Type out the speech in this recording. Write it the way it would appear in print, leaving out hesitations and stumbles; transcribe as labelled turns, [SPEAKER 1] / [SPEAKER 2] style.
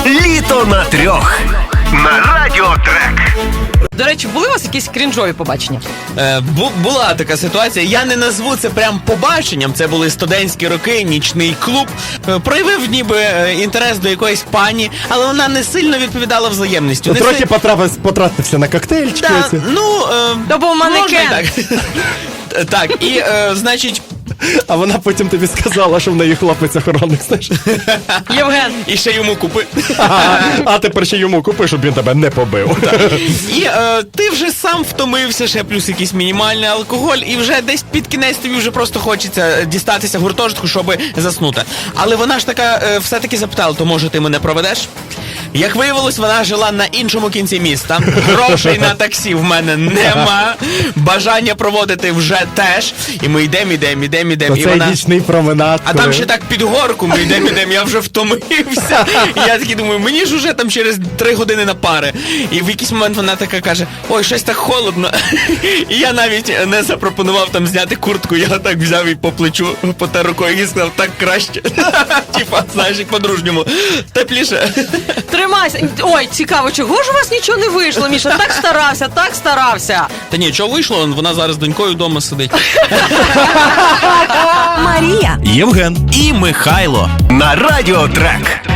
[SPEAKER 1] Літо на трьох на Радіо Трек.
[SPEAKER 2] До речі, були у вас якісь крінжові побачення?
[SPEAKER 3] Була така ситуація. Я не назву це прям побаченням. Це були студентські роки, нічний клуб. Проявив ніби інтерес до якоїсь пані, але вона не сильно відповідала взаємністю.
[SPEAKER 4] Трохи потратився на коктейльчики.
[SPEAKER 3] Да,
[SPEAKER 2] То був манекен.
[SPEAKER 3] Так, і, значить...
[SPEAKER 4] А вона потім тобі сказала, що в неї хлопець-охоронник, знаєш?
[SPEAKER 2] Євген.
[SPEAKER 3] І ще йому купи.
[SPEAKER 4] А тепер ще йому купи, щоб він тебе не побив.
[SPEAKER 3] І ти вже сам втомився, ще плюс якийсь мінімальний алкоголь, і вже десь під кінець тобі вже просто хочеться дістатися гуртожитку, щоб заснути. Але вона ж така все-таки запитала, то може ти мене проведеш? Як виявилось, вона жила на іншому кінці міста. Грошей на таксі в мене нема. Бажання проводити вже теж. І ми йдемо.
[SPEAKER 4] То
[SPEAKER 3] І
[SPEAKER 4] цей
[SPEAKER 3] вона...
[SPEAKER 4] нічний променад.
[SPEAKER 3] А там ще так під горку ми йдемо, я вже втомився. І я такий думаю, мені ж уже там через 3 години на пари. І в якийсь момент вона така каже, ой, щось так холодно. І я навіть не запропонував там зняти куртку, я так взяв і по плечу, потер рукою і сказав, так краще. Типа, знаєш, як по-дружньому. Тепліше.
[SPEAKER 2] Тримайся. Ой, цікаво, чого ж у вас нічого не вийшло, Міша? Так старався.
[SPEAKER 3] Та ні, чого вийшло? Вона зараз з донькою вдома сидить.
[SPEAKER 5] Марія,
[SPEAKER 1] Євген і Михайло на Радіо Трек.